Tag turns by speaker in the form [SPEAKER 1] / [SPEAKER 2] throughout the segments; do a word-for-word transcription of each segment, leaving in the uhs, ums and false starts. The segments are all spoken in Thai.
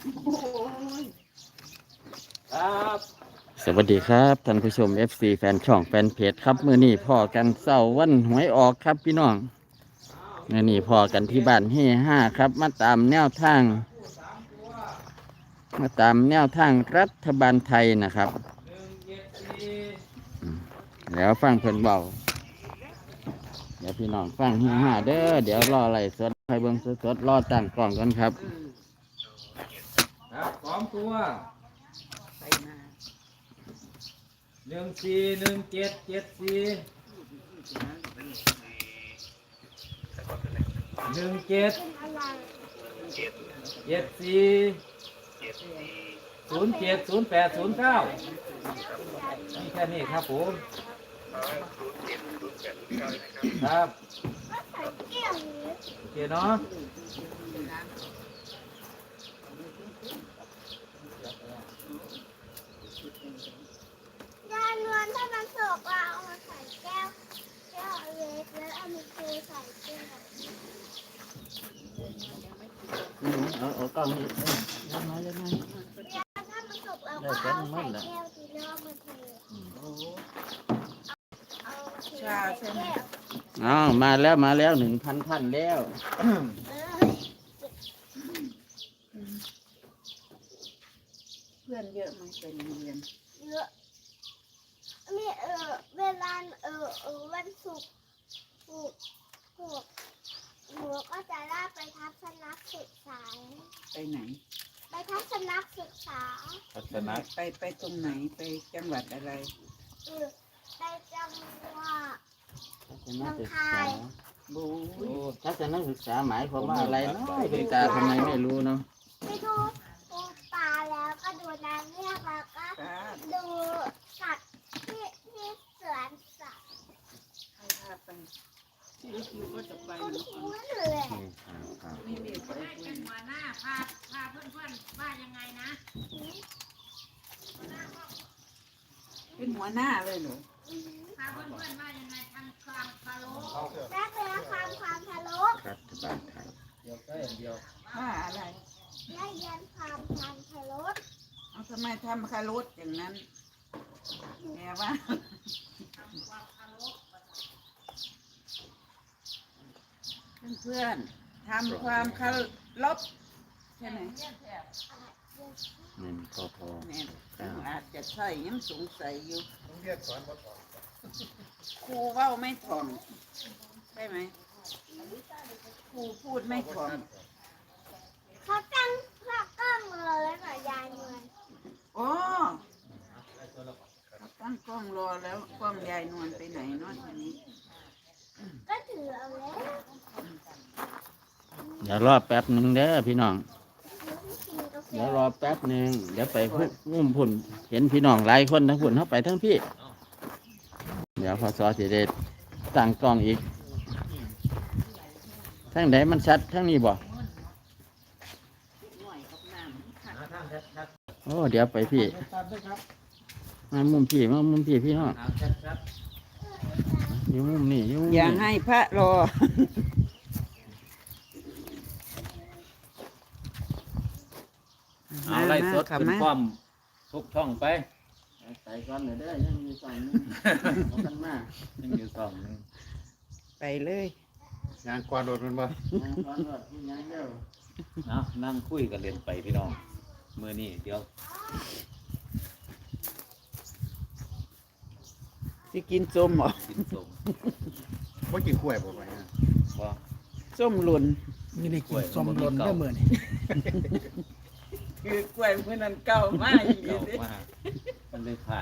[SPEAKER 1] ครับ
[SPEAKER 2] สวัสดีครับท่านผู้ชม เอฟ ซี แฟนช่องแฟนเพจครับมื้อนี้พ่อกันเศร้าวันหวยออกครับพี่น้องมื้อนี้พ่อกันที่บ้านเฮห้าครับมาตามแนวทางมาตามแนวทางรัฐบาลไทยนะครับอืมแล้วฟังเพิ่นเบาเดี๋ยวพี่น้องฟังเฮห้าเด้อเดี๋ยวรออะไรสดใครเบิ่งสดๆรอตั้งกล้องกันครับ
[SPEAKER 1] ครับสองตัว
[SPEAKER 3] ไปมา
[SPEAKER 1] หนึ่งสี่หนึ่งเจ็ดเจ็ดสี่หนึ่งเจ็ดเจ็ดสี่ศูนย์เจ็ดศูนย์แปดศูนย์เก้านี่แค่นี้ครับผมครับโอเคเนาะ
[SPEAKER 4] ยานวลถ้ามันสุกเราเอามาใส่แก้วแก้วเล็กแล้วเอามาเทใส่แก้ว
[SPEAKER 2] เอาเอากล้องนี่เอ้ยเอามาเลยนะ
[SPEAKER 4] ยานถ้ามันสุกเราก็เอาใส่แก้วทีแล้วเอามาเทเอามาเท
[SPEAKER 3] ชาใช่ไหม
[SPEAKER 4] แก้ว
[SPEAKER 2] อ้าวมาแล้วมาแล้วหนึ่งพันท่านแล้ว
[SPEAKER 4] เออ
[SPEAKER 3] เพื่อนเยอะไหมไปโรงเรียน
[SPEAKER 4] เยอะมีเออเวลาเออเออวันศุกร์ศุกร์ศุกร์หนูก็จะได้ไปทัศนศึกษา
[SPEAKER 3] ไปไหน
[SPEAKER 4] ไปทัศนศึกษา
[SPEAKER 1] พัฒนา
[SPEAKER 3] ไปไปตรงไหนไปจังหวัดอะไร
[SPEAKER 4] เออไปจังหวัด
[SPEAKER 2] ทัศนศึกษา
[SPEAKER 3] บู
[SPEAKER 2] โอ้ทัศนศึกษาหมายความว่าอะไรเนาะคุณตาทำไมไม่รู้เนาะ
[SPEAKER 4] ไปดูปูปลาแล้วก็ดูนางเงือกแล้วก็
[SPEAKER 3] ตา
[SPEAKER 4] ดูสัตว์ที่ที่สวนสัตว์
[SPEAKER 3] ใครพาไปที่คิวก็จะไป
[SPEAKER 4] คุณ
[SPEAKER 3] นะ
[SPEAKER 4] ครูเลย
[SPEAKER 3] ไม่มีไปด้วย
[SPEAKER 5] เป็นหัวหน้าพาพาเพื่อนๆว่ายังไงนะ
[SPEAKER 3] เป็นหัวหน้าเลยเหรอ
[SPEAKER 5] พาเพื่อนๆว่ายังไงทำความเคารพ
[SPEAKER 4] นักเรียนความความทะลุ
[SPEAKER 2] รัฐบาลไทย
[SPEAKER 1] เดียวก็อย่างเดียว
[SPEAKER 3] ว่าอะไร
[SPEAKER 4] นักเรียนความความทะลุ
[SPEAKER 3] เอาทำไมทำคารุอย่างนั้นแม่ว่าเพื่อนๆทำความเคารพใช่ไหม
[SPEAKER 2] หนึ่งกพ
[SPEAKER 3] แม่อาจจะใช่ยังสงสัยอยู่ครูเว่าไม่ถ่องใช่ไหมครูพูดไม่ถ่อง
[SPEAKER 4] เขาตั้งพระกล้องเลยค่ะยายนวล
[SPEAKER 3] โอ้เขาตั้งกล้องรอแล้วกล้องยายนวลไปไหนเนาะทีนี้
[SPEAKER 4] ก็ถือเอาแล้ว
[SPEAKER 2] เดี๋ยวรอแป๊บหนึ่งเด้อพี่น้อง
[SPEAKER 4] ถือกินกาแฟ
[SPEAKER 2] เดี๋ยวรอแป๊บหนึ่งเดี๋ยวไปพุ่งมุ่มพุ่นเห็นพี่น้องหลายคนทั้งพุ่นเข้าไปทั้งพี่ เดี๋ยวพอสอสิเดตั้งกล้องอีกทั้งไหนมันชัดทั้งนี้บ่
[SPEAKER 3] หน่อยกับน้ำค่ะ
[SPEAKER 1] หาทางชัด
[SPEAKER 2] โอ้เดี๋ยวไปพี่
[SPEAKER 1] ๆชัดๆด้วยครับ
[SPEAKER 2] มามุมพี่มามุมพี่พี่น้อง
[SPEAKER 1] หาชัด
[SPEAKER 2] อยู่มุมนี่อยู่มุม
[SPEAKER 3] อย่า
[SPEAKER 2] นี่
[SPEAKER 3] ให้พระรอ
[SPEAKER 1] ๆเอาไล่สดเป็นความทุกช่องไป
[SPEAKER 2] ใส่ก่อนเลยเด้อยังมีสองนึงเอากันมา
[SPEAKER 1] ยังอยู่สองหนึง
[SPEAKER 3] ไปเลย
[SPEAKER 6] งานกวาดรถมันบ่
[SPEAKER 2] เอาก่อนรถพี่ยังเด้อ
[SPEAKER 1] เอานั่งคุยกันเรียนไปพี่น้องมือนี้เดี๋ยว
[SPEAKER 3] สิกินส้มเหรอ
[SPEAKER 1] กินสม
[SPEAKER 6] บ่กินกล้วยบ่ไปฮะ
[SPEAKER 1] ว่า
[SPEAKER 3] ส้มหล่น
[SPEAKER 7] มีได้กินสมหล่นได้เมื่อนี่
[SPEAKER 3] คือกล้วยเมื่อนั้นเก่ามากอีก
[SPEAKER 1] เก่า
[SPEAKER 3] เลย
[SPEAKER 1] มากมันเลยขาด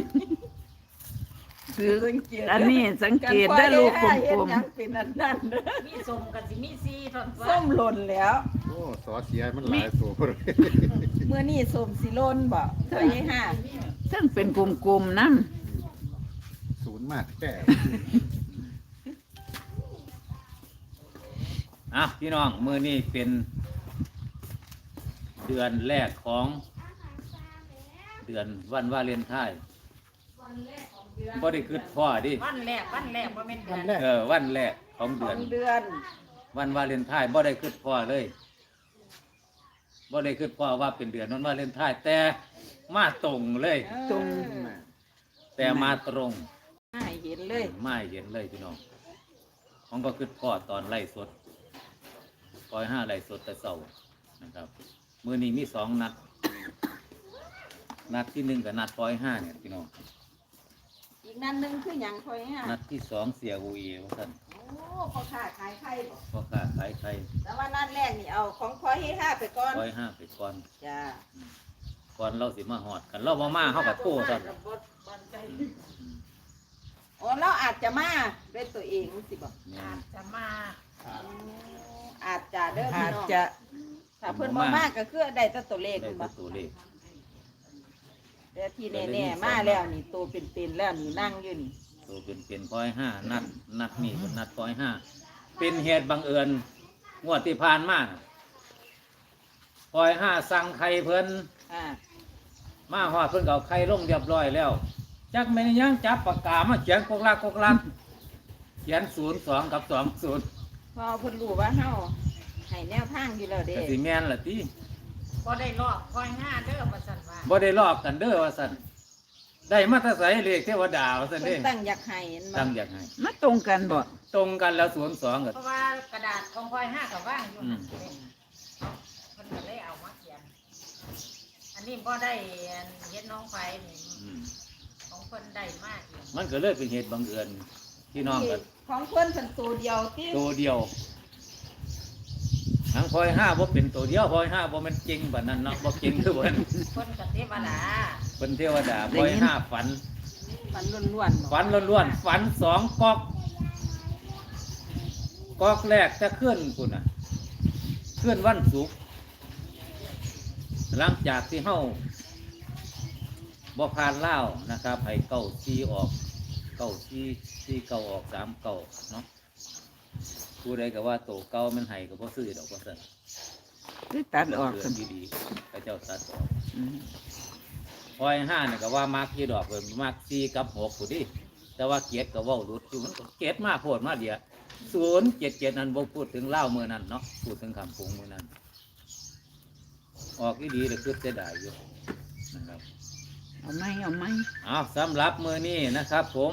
[SPEAKER 3] คืออันนี้สังเกตได้ลูกกลมๆเป็นอันนั้นเด้อ
[SPEAKER 5] มีสมกันสิมีซีทอนฟ้า
[SPEAKER 3] ส้มหล่นแล้ว
[SPEAKER 6] โอ้สอเสียมันหลายตัวเลย
[SPEAKER 3] เมื่อนี่ส้มสิหล่นบ่เท่าไหร่ห้าซึ่งเป็นกลมๆนั่น
[SPEAKER 6] ศูนย์มากแค่
[SPEAKER 1] อ่ะพี่น้องมือนี้เป็นเดือนแรกของเดือนวันวาเลนไทน์บ่ได้คิดพ่อดิ
[SPEAKER 5] วันแรกวันแรกว่าเป็นเดือน
[SPEAKER 1] เออวันแรกของ
[SPEAKER 3] ข
[SPEAKER 1] เดื
[SPEAKER 3] อ
[SPEAKER 1] อน
[SPEAKER 3] งเดือน
[SPEAKER 1] วันวาเลนไทน์บ่ได้คิดพ่อเลยบ่ได้คิดพ่อว่าเป็นเดือนวันวาเลนไทน์แต่มาตรงเลย
[SPEAKER 3] ตรง
[SPEAKER 1] แต่มาตรง
[SPEAKER 3] ให้เห็นเลย
[SPEAKER 1] ไม่เห็นเลยพี่น้องของก็คือพ่อตอนไล่สดปล่อยห้าไล่สดแต่เสาร์นะครับมือนี้มีสองนัด นัดที่หนึ่งกับนัดปล่อยห้าเนี่ยพี่น้อง
[SPEAKER 3] อีกนั้นหนึงคือหยังคอยฮะ
[SPEAKER 1] นัดที่สองเสียอูเอว่าท่าน
[SPEAKER 3] โอ้พ่อค้าขายไข่บ่
[SPEAKER 1] พ่อค้าขายไข่
[SPEAKER 3] แต่ว่านัดแรกนี่เอาของคอยให้ห้าไปก่อน
[SPEAKER 1] ปล่อยห้าไปก่อน
[SPEAKER 3] จ้า
[SPEAKER 1] ก่อนเราสิมาหอดกันเราบ่มาเข้ากับโต้ท่าน
[SPEAKER 3] โอ้เราอาจจะมาด้วยตัวเองสิบอก
[SPEAKER 1] เนี่ย
[SPEAKER 5] อาจจะมา
[SPEAKER 3] อาจจะเด้อพี่
[SPEAKER 7] อาจ
[SPEAKER 3] น้อง
[SPEAKER 7] จะ
[SPEAKER 3] ถ้าเพิ่นบ่มาก็คือได้แต่ตัวเลข
[SPEAKER 1] ได้
[SPEAKER 3] คุณบ่
[SPEAKER 1] แต่ตัวเลข
[SPEAKER 3] แต่ที่แน่ๆมาแล้วนี่ตัวเป็นๆแล้วนี่นั่งอยู่นี่
[SPEAKER 1] ตัวเป็นเป็นปล่อยห้านัดนัดนี่เป็นนัดปล่อยห้าเป็นเหตุบังเอิญงวดที่ผ่านมาน่ะปล่อยห้าสั่งไข่เพิ่น
[SPEAKER 3] อ่า
[SPEAKER 1] มาหอดเพิ่นก็เอาไข่ลงเรียบร้อยแล้วจักแม่นยังจับปากกามาเขียนกกลักกกลักเขียนศูนย์สองกับสองศูนย์
[SPEAKER 3] พอเพิ่นรู้ว่าเฮาให้แนวทางอยู่แล้วเด้
[SPEAKER 1] ก็สิแม่นล่ะติ
[SPEAKER 5] ก็ได้ลอกคอยห้าเด้อประสันว่า
[SPEAKER 1] บ่ได้ลอกกันเด้อว่าซั่นได้มาแตะไสเลขเทวดาว่าซั่น
[SPEAKER 3] เพิ่
[SPEAKER 1] เด้
[SPEAKER 3] นตั้งอยากให้เห็นบ่
[SPEAKER 1] ตั้งอยากให้
[SPEAKER 7] มาตรงกันบ่
[SPEAKER 1] ตรงกันแล้วศูนย์สองก็
[SPEAKER 5] เพราะว่ากระดาษของคอยห้ากับว่างอยู่
[SPEAKER 1] อืม
[SPEAKER 5] คนก็เลยเอามาเขียน อันนี้ก็ได้เห็นน้องไฟนี่
[SPEAKER 1] อืม
[SPEAKER 5] ของคนได้มากอยู่
[SPEAKER 1] มันก็เลยเป็นเหตุบังเอิญพี่น้องกัน
[SPEAKER 3] ของเพิ่นเพิ่นตัวเดียวติ
[SPEAKER 1] ตัวเดียวทั้งพลอยห้าบ่เป็นตัวเดียวพลอยห้าบ่แมันจริงแบบนั้นเนาะบ่จริงคือบ่น
[SPEAKER 5] คนกับเทวดา
[SPEAKER 1] เป็นเทวดาพลอยห้าฝัน
[SPEAKER 3] ฝันล้วนๆบ่
[SPEAKER 1] ฝันล้วนๆฝันสองก๊อกก๊อกแรกจะเคลื่อนคุณน่ะเคลื่อนวันศุกร์หลังจากที่เฮาบ่ผ่านล่าวนะครับให้เก้าซีออกเก้าซีซีเก้าออกสามเก้าเนาะผู้ใดก็ว่าโตเก้ามันให้ก็บ่ซื้อดอกว่าซั่น
[SPEAKER 7] ได้ตัดออก
[SPEAKER 1] เดื
[SPEAKER 7] กั
[SPEAKER 1] อน นดีๆพระเจ้าตัดออก
[SPEAKER 7] อืม
[SPEAKER 1] พอยห้าเนี่ยก็ว่ามักยี่ดอกเพิ่นมักสี่กับหกผู้ดิแต่ว่าเกียรติก็เว้าหลุดอยู่มันก็เกียรติมาโพดมาเดียวศูนย์เจ็ดเจ็ดนั้นบ่พูดถึงเล่าวมือนั้นเนาะพูดถึงคำพงมือนั้น ออกดีๆเลยคือเสียดายอยู่นะครับ
[SPEAKER 7] เอาไหมเอาไหม
[SPEAKER 1] เอาสำหรับมือนี้นะครับ ผม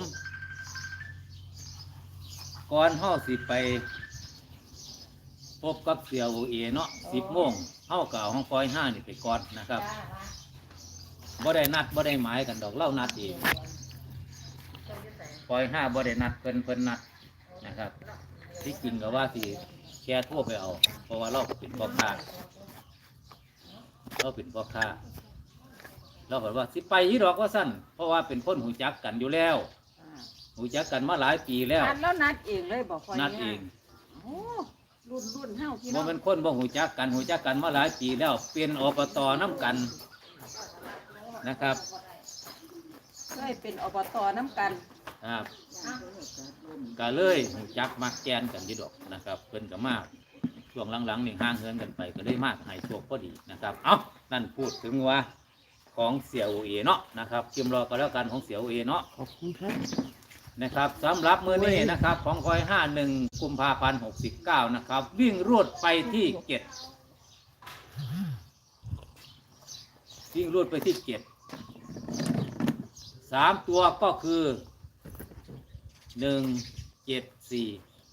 [SPEAKER 1] ก่อนเฮาสิไป พบกับเสี่ยวเอเนาะสิบโมงเฮาก็เอาห้องปอยห้านี่ไปก่อนนะครับ
[SPEAKER 5] จ้าว่า
[SPEAKER 1] บ่ได้นัดบ่ได้หมายกันดอกเล่านัดเอง
[SPEAKER 5] เจ้าอยู่ไหน
[SPEAKER 1] ปอยห้าบ่ได้นัดเพิ่นเพิ่นนัดนะครับ ที่จริงก็ว่าสิแค่ทั่วไปเอา เพราะว่าเราเป็นพ่อค้าเราเป็นพ่อค้าเราบอกว่าสิไปยี่ดอกว่าสั้นเพราะว่าเป็นคนหูจักกันอยู่แล้ว
[SPEAKER 3] อ่า
[SPEAKER 1] หูจักกันมาหลายปีแล้ว
[SPEAKER 3] นัดแล้วนัดเองเลยบอกคอย
[SPEAKER 1] นัดเอง
[SPEAKER 3] โอ้รุ่นรุ่นเฮาพี่น้
[SPEAKER 1] บ่
[SPEAKER 3] อง
[SPEAKER 1] เป็นคนบ่หูจักกันหูจักกันมาหลายปีแล้วเป็นอบตน้ำกันนะครับ
[SPEAKER 3] เคยเป็นอบตน้ำกัน
[SPEAKER 1] ครับก็เลยหูจักมักแกนกันยี่ดอกนะครับเพิ่นก็มากช่วงหลังๆนี่ห่างเหินกันไปก็เลยมากให้โชคพอดีนะครับเอ้านั่นพูดถึงว่าของเสี่ยวเอเนาะนะครับชิมรอกันแล้วกันของเสี่ยวเอเนาะ
[SPEAKER 7] ขอบคุณครับ
[SPEAKER 1] นะครับสำหรับมือนี้นะครับของคอยห้าหนึ่งกุมภาพันธ์หกสิบเก้านะครับ วิ่งรวดไปที่เจ็ดวิ่งรวดไปที่เจ็ดสามตัวก็คือหนึ่งเจ็ดสี่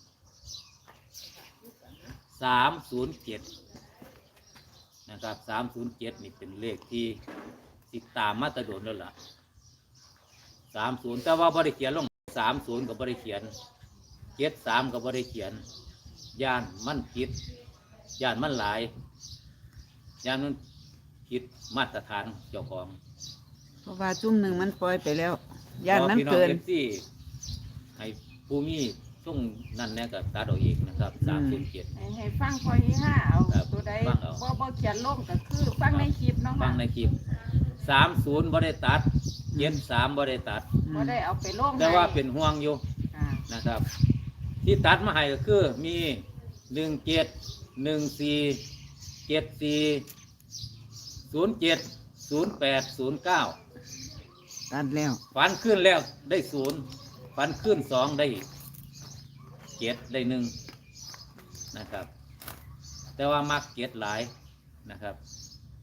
[SPEAKER 1] สามศูนย์เจ็ดนะครับสามศูนย์เจ็ดนี่เป็นเลขที่ติดตามมาตรโดนแล้วล่ะสามศูนย์แต่ว่าบริเขียนลงสามศูนย์กับบริเขียนเจ็ดสามกับบริเขียนย่านมันผิดย่านมันหลายย่านมันผิดมาตรฐานเจ้าของ
[SPEAKER 7] เพราะว่าจุ่มหนึ่งมันปล่อยไปแล้วย่านมัน
[SPEAKER 1] พี่อง
[SPEAKER 7] เกิน
[SPEAKER 1] อฟซีให้ผู้มีส่งนั่นแน่กับตาดอกเอกนะครับสามศูนย์เจ็ด
[SPEAKER 3] ให้ให้ฟังคอยห้าเอา
[SPEAKER 1] ครับ
[SPEAKER 3] ตัวใด
[SPEAKER 1] ฟังเอา
[SPEAKER 3] บ่บ่เขียนลงก็คือฟังในคลิปเนาะ
[SPEAKER 1] ฟั
[SPEAKER 3] ค่ะ
[SPEAKER 1] งในคลิปสามศูนย์บริตัดเจ็ดสามบริตัด
[SPEAKER 3] บ่ได้เอาไปลง
[SPEAKER 1] แต่ว่า
[SPEAKER 3] ให้
[SPEAKER 1] เป็นห่วงอยู่
[SPEAKER 3] อ่า
[SPEAKER 1] นะครับ ที่ตัดมาให้ก็คือมีหนึ่งเจ็ดหนึ่งสี่เจ็ดสี่ศูนย์เจ็ดศูนย์แปดศูนย์เก้า
[SPEAKER 7] ตัดแล้ว
[SPEAKER 1] ฟันขึ้นแล้วได้ศูนย์ฟันขึ้นสองได้เจ็ดได้หนึ่งนะครับ แต่ว่ามักเจ็ดหลายนะครับ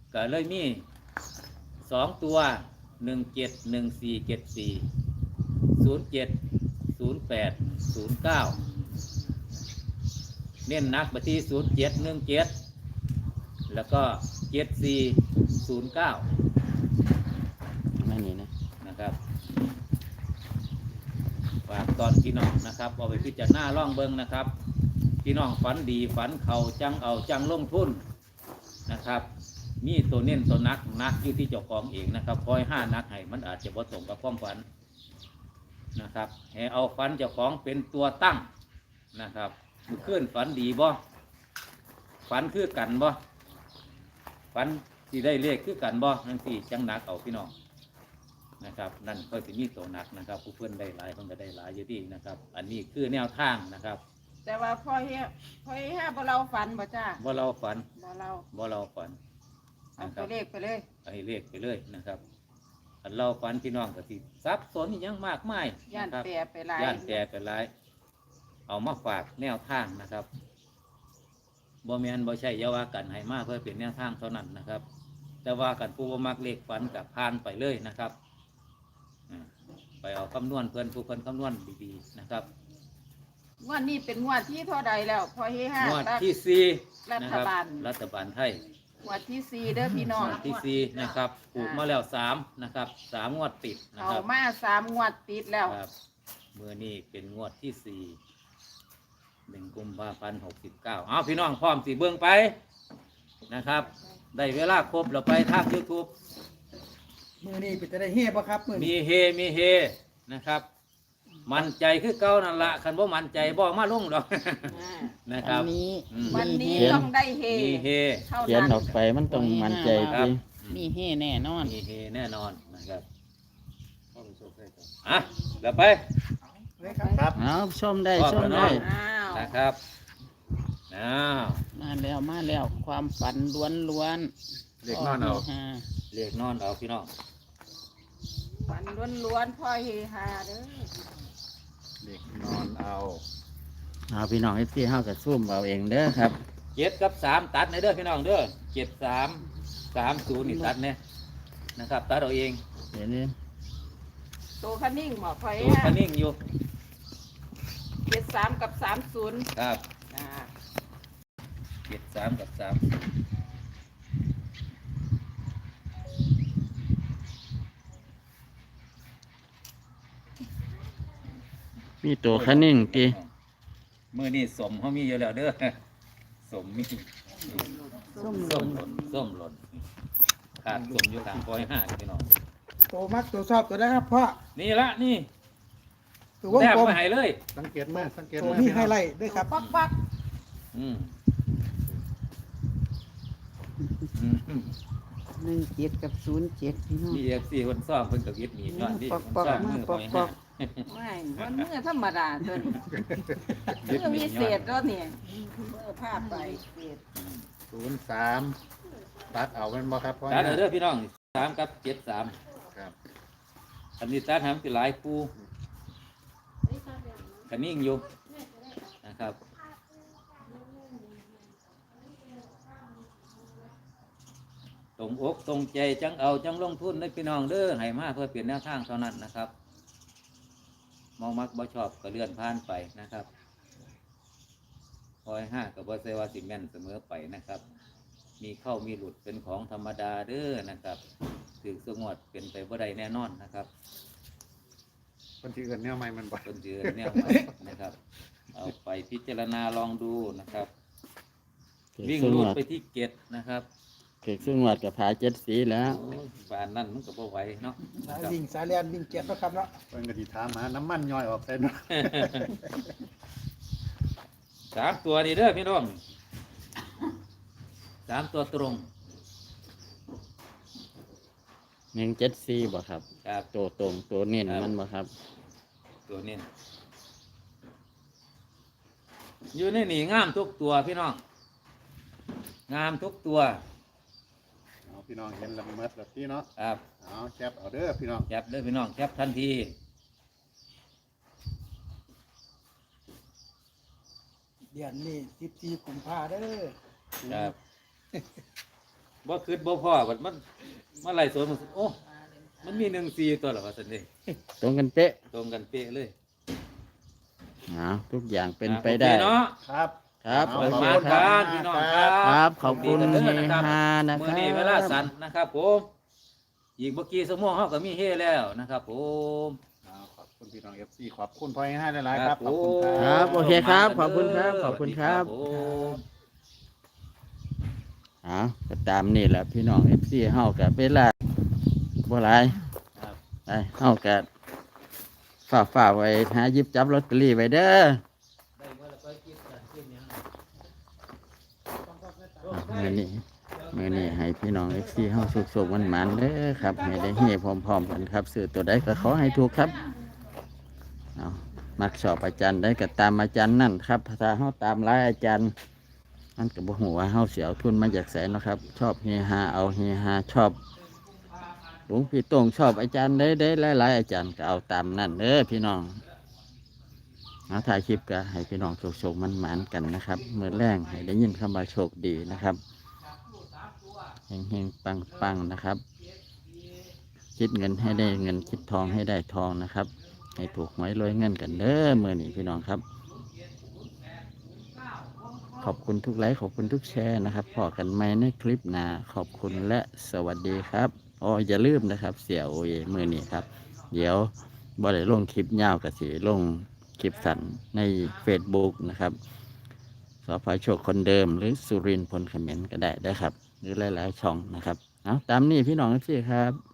[SPEAKER 1] ก็เลยมีสองตัวหนึ่งเจ็ดหนึ่งสี่เจ็ดสี่ศูนย์เจ็ดศูนย์แปดศูนย์เก้าเน้นหนักไปที่ศูนย์เจ็ดหนึ่งเจ็ดแล้วก็เจ็ดสี่ศูนย์เก้า
[SPEAKER 2] ไม่นี่นะ
[SPEAKER 1] นะครับฝากตอนพี่น้องนะครับเอาไปพิจารณาล่องเบิงนะครับพี่น้องฝันดีฝันเขาจังเอาจังลงทุนนะครับมีตัวเน้นตัวนักนักอยู่ที่เจ้าของเองนะครับคอยห้านักให้มันอาจจะผสมกับความฝันนะครับให้เอาฝันเจ้าของเป็นตัวตั้งนะครับขึ้นฝันดีบ่ฝันคือกันบ่ฝันที่ได้เลขคือกันบ่ทั้งสี่จังนักเอาพี่น้องนะครับนั่นก็จะมีตัวนักนะครับผู้เพื่อนได้หลายเพิ่นก็ได้หลายอยู่ดีนะครับอันนี้คือแนวทางนะครับ
[SPEAKER 3] แต่ว่าพ่อเฮียพ่อเฮียบ่เราฝันบ่จ้า
[SPEAKER 1] ว่าเราฝัน
[SPEAKER 3] บ่เรา
[SPEAKER 1] ว่าเราฝัน
[SPEAKER 3] เอา
[SPEAKER 1] นะค
[SPEAKER 3] ตั
[SPEAKER 1] รั
[SPEAKER 3] ว
[SPEAKER 1] บ
[SPEAKER 3] เลขไปเลย
[SPEAKER 1] ให้เลขไปเลยนะครับอันเราฝันพี่น้องก็สิซับสนอหยังมากมาย
[SPEAKER 3] ย่าน
[SPEAKER 1] นะครับ
[SPEAKER 3] แปรไปหลาย
[SPEAKER 1] ย่านแต่ไปหลายเอามาฝากแนวทางนะครับบ่แม่นบ่ใช่อยาว่ากันให้มาเพื่อเป็นแนวทางเท่านั้นนะครับ แต่ว่ากันผู้บ่มักเลขฝันกับพานไปเลยนะครับอ่าไปเอาคำนวณเพื่อนผู้เพิ่นคำนวณดีๆนะครับ
[SPEAKER 3] งวดนี้เป็นงวดที่เท่าใดแล้วพ่อเฮียห้าง
[SPEAKER 1] วดที่สี่
[SPEAKER 3] รั
[SPEAKER 1] นะ
[SPEAKER 3] ฐ
[SPEAKER 1] ครับ
[SPEAKER 3] บาล
[SPEAKER 1] รัฐบาลไทย
[SPEAKER 3] งวดที่สี่เด้อพี่น้อง
[SPEAKER 1] งวดที่สี่นะครับปลูกมาแล้วสามนะครับสามงวดติดนะ
[SPEAKER 3] เอา
[SPEAKER 1] ครับ
[SPEAKER 3] มาสามงวดติดแล้ว
[SPEAKER 1] ครับเมื่อนี้เป็นงวดที่สี่หนึ่งกุมภาพันธ์หกสิบเก้าเอาพี่น้องพร้อมสีเบื้องไปนะครับ ได้เวลาครบเราไปทางยูทูบ
[SPEAKER 8] มือนี้เป็นจะได้เฮ่ป่ะครับมือนี้
[SPEAKER 1] มีเฮมีเฮนะครับ มั่นใจคือเก่านั่นละคันว่ามั่นใจบ่มาลงหรอก
[SPEAKER 3] อ่า
[SPEAKER 1] นะครับ
[SPEAKER 7] อันนี้
[SPEAKER 1] อืม
[SPEAKER 3] วันนี้
[SPEAKER 2] เขียน
[SPEAKER 3] ต้องได้เฮ
[SPEAKER 1] มีเฮ
[SPEAKER 3] เท่า
[SPEAKER 2] เขียน
[SPEAKER 3] นั้น
[SPEAKER 2] ออกไปมันต้องมั่นใจ
[SPEAKER 1] ครับ
[SPEAKER 2] ดี
[SPEAKER 7] มีเฮ่แน่นอน
[SPEAKER 1] มีเฮแน่นอนนะครับอ่ะเดี๋ยวไป
[SPEAKER 8] เลยครับ
[SPEAKER 6] ครับ
[SPEAKER 2] เอาชมได้
[SPEAKER 1] ชอบ
[SPEAKER 2] ชม
[SPEAKER 1] แล้ว
[SPEAKER 2] ได้
[SPEAKER 1] เนาะ
[SPEAKER 3] อ้าว
[SPEAKER 1] นะครับอ้าว
[SPEAKER 7] มาแล้วมาแล้วความฝันล้วนล้วน
[SPEAKER 6] เด็กนอนเอา
[SPEAKER 7] ฮา
[SPEAKER 1] เรียกนอนเอาพี่น้อง
[SPEAKER 3] ฝันล้วนๆพ่อเฮฮาเด้อ
[SPEAKER 6] เด็กนอนเอา
[SPEAKER 2] เอาพี่น้องเอฟซีเฮากับซุ่มเอาเองเด้อครับ
[SPEAKER 1] เจ็ดกับสามตัดในเด้อพี่น้องเด้อเจ็ดสามสามศูนย์นี่ตัดเนี่ยนะครับตัดเอาเอง
[SPEAKER 2] เดี๋ยวนี้
[SPEAKER 3] ตัวคันนิ่งบอกพ่อเฮ
[SPEAKER 1] ตัว
[SPEAKER 3] ฮา
[SPEAKER 1] คันนิ่งอยู่
[SPEAKER 3] เจ็ดสามกับสามศูนย์
[SPEAKER 1] ครับ
[SPEAKER 3] อ่า
[SPEAKER 1] เจ็ดสามกับสาม
[SPEAKER 2] มีตัวคันนิ่งตี
[SPEAKER 1] มือนี่สมเขามีอยู่แล้วเด้อสมมี
[SPEAKER 7] ส้ม
[SPEAKER 1] ส้มหล่นส้มหล่นขาดสมอยู่ทางปอยห้าพี่น้อง
[SPEAKER 8] ตัวมักตัวชอบตัวได้ครับพ่อ
[SPEAKER 1] นี่ละนี่
[SPEAKER 8] ตัววง
[SPEAKER 1] แทบ
[SPEAKER 8] กลม
[SPEAKER 1] ไม่หายเลย
[SPEAKER 6] สังเกตมากสังเกต
[SPEAKER 8] ตัว
[SPEAKER 6] มาก
[SPEAKER 8] มี
[SPEAKER 6] พี่
[SPEAKER 8] ไฮ
[SPEAKER 6] น้อง
[SPEAKER 8] ไลท์ด้วยครับ
[SPEAKER 3] ปักปัก
[SPEAKER 1] อืมอืม
[SPEAKER 7] หนึ่งเจ็ดกับศูนย์เจ็ดพี่น้อง
[SPEAKER 1] มีเอฟซีคนซ่อมเพิ่นกับยึดหนีย้อนที่
[SPEAKER 7] ปอกปอก
[SPEAKER 1] ซ่อม
[SPEAKER 7] มา
[SPEAKER 1] มือ
[SPEAKER 7] ป
[SPEAKER 1] ป
[SPEAKER 7] อ
[SPEAKER 1] อก ย
[SPEAKER 7] ปอ
[SPEAKER 1] ห้าก
[SPEAKER 3] ไม่มันมือธรรมดาตัวนี้
[SPEAKER 1] ยึด
[SPEAKER 3] มือ
[SPEAKER 1] หนี
[SPEAKER 3] มี
[SPEAKER 1] ย้
[SPEAKER 3] เศ
[SPEAKER 1] อ
[SPEAKER 3] ษ
[SPEAKER 1] น
[SPEAKER 3] แล้วเนี่ยมือพาดไปเศษ
[SPEAKER 6] ศูนย์สามตัดเอาเป็นบ่ครับพ่อ
[SPEAKER 1] ตัดเอาเด้อพี่น้องสามกับเจ็ดสาม
[SPEAKER 6] ครับ
[SPEAKER 1] อันนี้ตัดหามสิหลายปูคันนิ่งอยู่นะครับตรงอกตรงใจจังเอาจังลงทุนในพี่น้องเด้อให้มาเพื่อเปลี่ยนแนวทางเท่านั้นนะครับมองมักบ่ชอบก็เลื่อนผ่านไปนะครับคอยห้ากับบ่เซวาสิแม่นเสมอไปนะครับ มีเข้ามีหลุดเป็นของธรรมดาเด้อนะครับถือสงวดเป็นไปบ่ได้แน่นอนนะครับ
[SPEAKER 6] คนที่อื่นเนี่ยไม่มันบ่
[SPEAKER 1] ต้นเดือนแนวใหม่นะครับ เอาไปพิจารณาลองดูนะครับ
[SPEAKER 2] เกิด
[SPEAKER 1] วิ่ง
[SPEAKER 2] ซึ่ง
[SPEAKER 1] รู
[SPEAKER 2] ห
[SPEAKER 1] ด
[SPEAKER 2] วัด
[SPEAKER 1] ไปที่เกตนะครับ
[SPEAKER 2] เกิดซึ่งหวัดกับผาเจ็ดสีแล้ว
[SPEAKER 1] บานนั่นมันก็บ่ไหวเนาะ
[SPEAKER 8] สาย
[SPEAKER 1] ครับ
[SPEAKER 8] วิ่งสายเลียนวิ่งเจ็ดนะครับเนาะ
[SPEAKER 6] เพิ่นก็สิถามหาน้ำมันย่อยออกใส่เนาะ
[SPEAKER 1] สามตัวนี่เด้อพี่น้องสามตัวตรง
[SPEAKER 2] หนึ่งเจ็ดสีบ่ครับ
[SPEAKER 1] ครับ
[SPEAKER 2] ตัวตรงตัวเน้น
[SPEAKER 1] ครับ
[SPEAKER 2] มันบ่ครับ
[SPEAKER 1] ตัวนี้อยู่ในนี่งามทุกตัวพี่น้องงามทุกตัว
[SPEAKER 6] เอาพี่น้องเห็นละเมิดละพี่เนาะ
[SPEAKER 1] ครับ
[SPEAKER 6] เอาแคปเอาเด้อพี่น้อง
[SPEAKER 1] แคปเด้อพี่น้องแคปทันที
[SPEAKER 8] เดือนนี้สิบสี่กุมภาเด้อ
[SPEAKER 1] ครับบ่คืดบ่พ่อบัดมันมาไล่สวนมันโอ้มันมีหนึ่งสี่ตัวเหรอวะสันนี่
[SPEAKER 2] ตรงกันเป๊ะ
[SPEAKER 1] ตรงกันเป๊ะเลย
[SPEAKER 2] เอาทุกอย่างเป็นไป
[SPEAKER 1] โอค
[SPEAKER 2] ได้
[SPEAKER 1] เนาะ
[SPEAKER 6] ครับ
[SPEAKER 2] ครับ
[SPEAKER 6] ข
[SPEAKER 2] โอ
[SPEAKER 6] อบ
[SPEAKER 2] เค
[SPEAKER 6] คุณ
[SPEAKER 2] ค
[SPEAKER 6] ครั
[SPEAKER 2] รับ
[SPEAKER 6] บ
[SPEAKER 1] พี่น้องครับ
[SPEAKER 2] ครับขอบคุณ
[SPEAKER 1] ดี
[SPEAKER 2] เฮ
[SPEAKER 1] กันด้อ
[SPEAKER 2] ฮานะค
[SPEAKER 1] มื้อ
[SPEAKER 2] รับ
[SPEAKER 1] นี้เวลาสั้นนะครับ ผมอีกเมื่อกี้สมองเฮาก็มีเฮแล้วนะครับผม
[SPEAKER 6] อ่าขอบคุณพี่น้องเอฟซีขอบคุณพ่อให้หลายๆครับขอบคุณค
[SPEAKER 2] ค
[SPEAKER 6] รั
[SPEAKER 2] รับ บโอเคครับขอบคุณครับขอบคุณครับ
[SPEAKER 1] สวัสดีผม
[SPEAKER 2] เอาก็ตามนี่แหละพี่น้องเอฟซีเฮากับเวลาบ่หลาย
[SPEAKER 1] ครับ
[SPEAKER 2] ไปเฮากับฝากฝากไว้หาหยิบจับลอตเตอรี่ไว้เด้ออ่ะมือนี้มือนี้ให้พี่น้องเอฟซีเฮาสุขสุขวันหมันเด้อครับให้ได้เฮพร้อมๆกันครับซื้อตัวใดก็ขอให้ถูกครับเอามักชอบอาจารย์ได้ก็ตามอาจารย์นั่นครับถ้าเฮาตามหลายอาจารย์มันก็บ่ฮู้ว่าเฮาสิเอาทุนมาจากไสเนาะครับ ชอบเฮฮาเอาเฮฮาชอบหลวงพี่โต้งชอบอาจารย์ได้ได้หลายๆอาจารย์ก็เอาตามนั่นเด้อพี่น้องเอาถ่ายคลิปก็ให้พี่น้องโชคๆมันหมานๆกันนะครับเมื่อแรงให้ได้ยินคำว่าโชคดีนะครับเฮงๆปังๆนะครับ คิดเงินให้ได้เงินคิดทองให้ได้ทองนะครับ ให้ถูกหวยรวยเงินกันเด้อมื่อนี้พี่น้องครับ ขอบคุณทุกไลค์ขอบคุณทุกแชร์นะครับพอกันไหมในคลิปหน้าขอบคุณและสวัสดีครับอ๋ออย่าลืมนะครับ เสียโอเอมื่อนี้ครับ เดี๋ยวบ่ได้ลงคลิปยาวกับสีลงคลิปสั้นใน Facebook นะครับสพโชคคนเดิมหรือสุรินทร์พลเขมรก็ได้ได้ครับ หรือหลายๆช่องนะครับเอาตามนี้พี่น้องพี่ครับ